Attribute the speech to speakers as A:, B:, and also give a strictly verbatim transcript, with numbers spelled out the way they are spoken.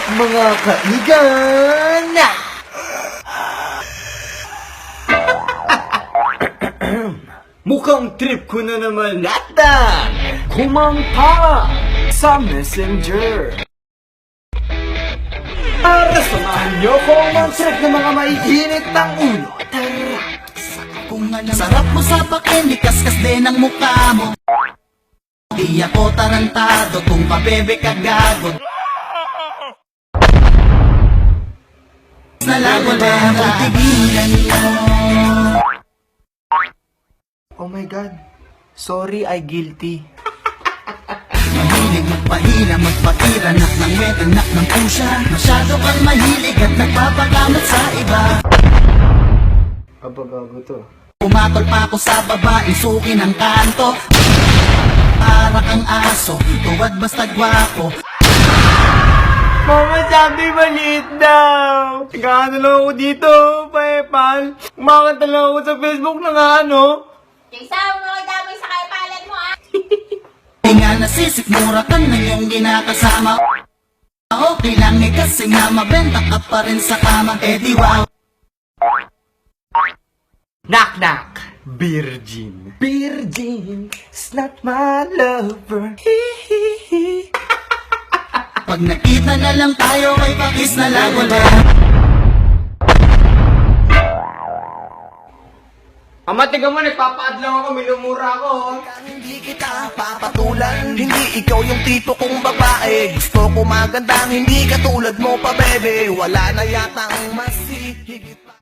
A: up mga kaigan? Mukhang trip ko na naman natan kumanta sa Messenger. Para samahan niyo kong mag-trip ng mga maiinit ng ulo. Tara!
B: Kung alam, sarap mo sa pakinikas-kas din ang mukha mo. Di ako tarantado kung pabebe ka gago. Na lang wala mo tigilan mo.
A: Oh my God. Sorry, I guilty.
B: Mahilig magpahila, magpatiranak ng wet, anak ng pusya. Masyado kang mahilig at nagpapagamot sa iba.
A: Abagago to.
B: Pumatol pa ako sa babae, suki ng kanto. Para kang aso, tuwad basta gwapo.
A: Mama, sabi maliit daw. Nagkakanta lang ako dito, Paypal. Kumakanta lang ako sa Facebook na nga, ano?
C: Kaysa, mga dami sa kaipalan mo, ah!
B: Di nga nasisikmura ka na yung ginakasama. Okay lang eh kasi nga mabenta ka pa rin sa kama. Eh di wow.
A: Knock knock. Virgin. Virgin is not my lover. Hihihi.
B: Pag nakita na lang tayo, may pakis na lang wala.
A: Ama, tiga mo, nagpapaad lang ako, minumura ako.
B: Hindi kita papatulan, hindi ikaw yung tipo kong babae. Gusto ko magandang, hindi katulad mo pa bebe. Wala na yata ang mas higit.